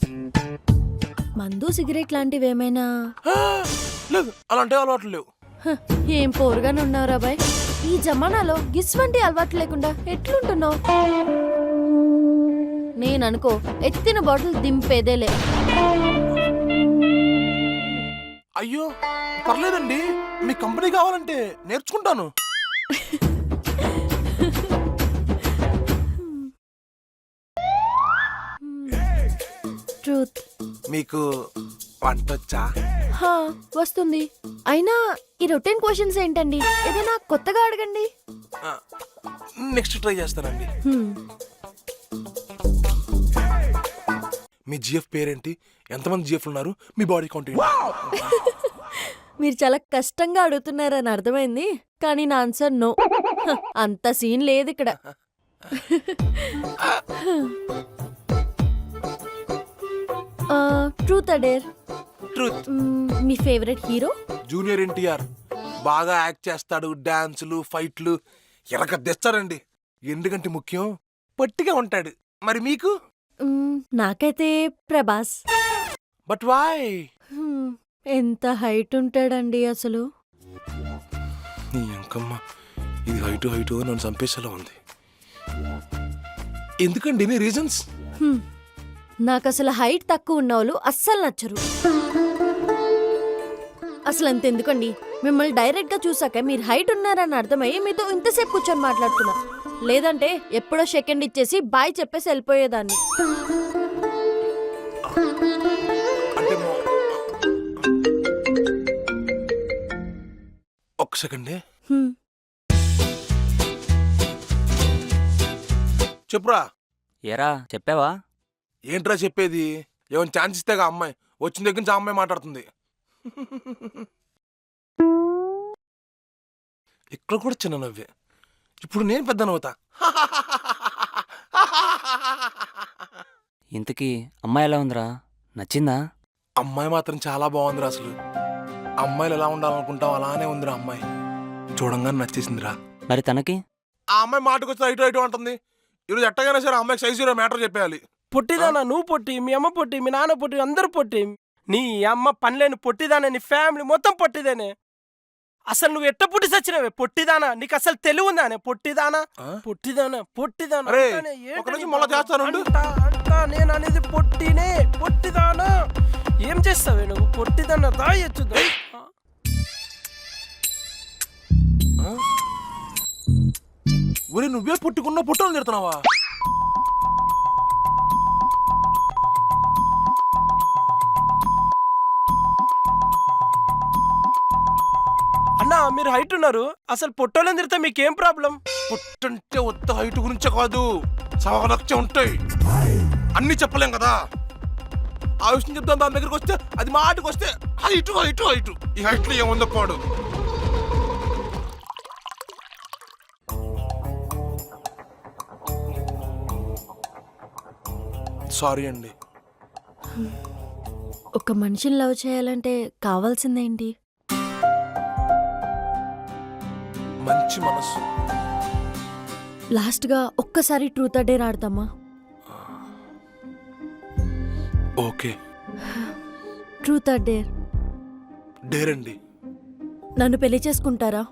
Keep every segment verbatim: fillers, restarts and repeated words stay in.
మందు సిగరెట్ లాంటివి ఏమైనా? లేదు, అలాంటి అలవాట్లు లేవు. హ, ఏం పోరుగానే ఉన్నావురా బాయ్. ఈ జమానాలో గిస్ వంటి అలవాటు లేకుండా ఎట్లుంటున్నావు? నేననుకో ఎత్తిన బాటిల్ దింపేదేలే. అయ్యో పర్లేదండి, మీ కంపెనీ కావాలంటే నేర్చుకుంటాను. ట్రూత్. మీకు వంటొచ్చా? హా, వస్తుంది. అయినా ఈ రొటీన్ క్వశ్చన్స్ ఏంటండి? ఏదైనా కొత్తగా అడగండి. నెక్స్ట్ ట్రై చేస్తానండి. హ్మ్. మీ జిఎఫ్ పేరేంటి? ఎంతమంది జిఎఫ్ ఉన్నారు? మీ బాడీ కౌంట్ ఏంటి? మీరు చాలా కష్టంగా అడుగుతున్నారని అర్థమైంది, కానీ నా ఆన్సర్ నో. హ, అంత సీన్ లేదు ఇక్కడ. Truth or dare. ట్రూత్. మీ ఫేవరెట్ హీరో? జూనియర్ ఎన్టీఆర్. బాగా యాక్ట్ చేస్తాడు, డాన్సులు, ఫైట్లు ఎరగ తెస్తారండి. ఎందుకంటే ముఖ్యం పొట్టిగా ఉంటాడు. మరి మీకు? మ్మ్, నాకైతే ప్రభాస్. But why? హ్మ్, ఎంత హైట్ ఉంటాడండి అసలు. నీ అంకమ్మ, ఇది హైటు హైటు నన్ను చంపేసేలా ఉంది. ఎందుకండి నీ రీజన్స్? హ్మ్, నాకు అసలు హైట్ తక్కువ ఉన్న వాళ్ళు అస్సలు నచ్చరు. అసలు అంతెందుకండి, మిమ్మల్ని డైరెక్ట్ గా చూసాక మీరు హైట్ ఉన్నారని అర్థమయ్యి మీతో ఇంతసేపు కూర్చొని మాట్లాడుతున్నా. లేదంటే ఎప్పుడో సెకండ్ ఇచ్చేసి బాయ్ చెప్పేసి వెళ్ళిపోయేదాన్ని. అంటే ఒక్క సెకండే హ్మ్, చెప్పురా. ఏరా చెప్పావా? ఏంట్రా చెప్పేది? ఏమైనా ఛాన్స్ ఇస్తేగా అమ్మాయి వచ్చిన దగ్గర నుంచి ఆ అమ్మాయి మాట్లాడుతుంది. ఇక్కడ కూడా చిన్న నవ్వే. ఇప్పుడు నేను పెద్ద నవ్వుతా. ఇంతకీ అమ్మాయి ఎలా ఉందిరా? నచ్చిందా? అమ్మాయి మాత్రం చాలా బాగుందిరా. అసలు అమ్మాయిలు ఎలా ఉండాలనుకుంటావు అలానే ఉందిరా అమ్మాయి. చూడంగానే నచ్చేసిందిరా. మరి తనకి? ఆ అమ్మాయి మాటకు వచ్చి ఇటు ఇటు అంటుంది. ఈరోజు ఎట్టగైనా సరే అమ్మాయికి సైజు మ్యాటర్ చెప్పేయాలి. పొట్టిదానా? నువ్వు పొట్టి, మీ అమ్మ పొట్టి, మీ నాన్న పొట్టి, అందరూ పొట్టి. నీ అమ్మ పనిలేని పొట్టిదానే, నీ ఫ్యామిలీ మొత్తం పొట్టిదేనే. అసలు నువ్వు ఎట్ట పుట్టి సచ్చినవే పొట్టిదానా? నీకు అసలు తెలివి ఉందానే? పొట్టిదానా పొట్టిదానా పొట్టిదానా అరే, అంటానే. ఒక ఏంటి నిమిషం నీ మళ్ళా బాధ? చేస్తానుండు. అంటా, అంటా, నేను అనేది పొట్టినే, పొట్టిదానా. ఏం చేస్తావే నువ్వు? పొట్టిదానా దాయొచ్చుదా? ఒరే, నువ్వే పుట్టుకున్న పుట్టలు తిడుతున్నావా? అన్నా మీరు హైట్ ఉన్నారు, అసలు పొట్టోళ్ళని తిరితే మీకేం ప్రాబ్లం? పుట్టంటే ఉత్త హైట్ గురించే కాదు, సవలక్ష ఉంటాయి. అన్ని చెప్పలేం కదా. ఆ విషయం చెప్తాను. దాని దగ్గరికి వస్తే అది మాటకు వస్తే హైటు హైటు హైటు. ఈ హైట్ లో ఏముందో పాడు. సారీ అండి. ఒక మనిషిని లవ్ చేయాలంటే కావాల్సిందేంటి? మంచి మనసు. లాస్ట్ గా ఒక్కసారి ట్రూత్ అర్ డేర్ ఆడతామా? Okay, truth or dare. Dare అండి. నన్ను పెళ్లి చేసుకుంటారా?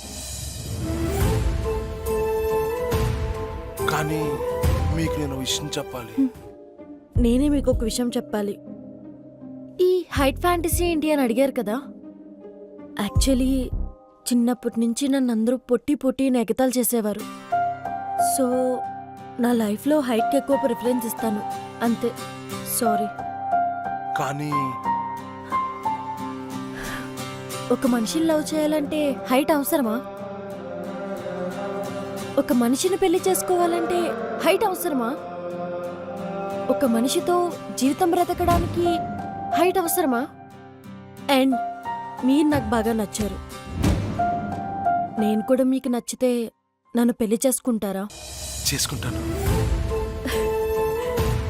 కానీ మీకు నేను విషయం చెప్పాలి. నేనే మీకు ఒక విషయం చెప్పాలి. ఈ హైట్ ఫ్యాంటసీ ఏంటి అని అడిగారు కదా. యాక్చువల్లీ చిన్నప్పటి నుంచి నన్ను అందరూ పొట్టి పొట్టి ఎగతాలు చేసేవారు. సో నా లైఫ్లో హైట్కి ఎక్కువ ప్రిఫరెన్స్ ఇస్తాను అంతే. సారీ. కానీ ఒక మనిషిని లవ్ చేయాలంటే హైట్ అవసరమా? ఒక మనిషిని పెళ్లి చేసుకోవాలంటే హైట్ అవసరమా? ఒక మనిషితో జీవితం బ్రతకడానికి హైట్ అవసరమా? అండ్ మీరు నాకు బాగా నచ్చారు. నేను కూడా మీకు నచ్చితే నన్ను పెళ్లి చేసుకుంటారా? చేసుకుంటాను.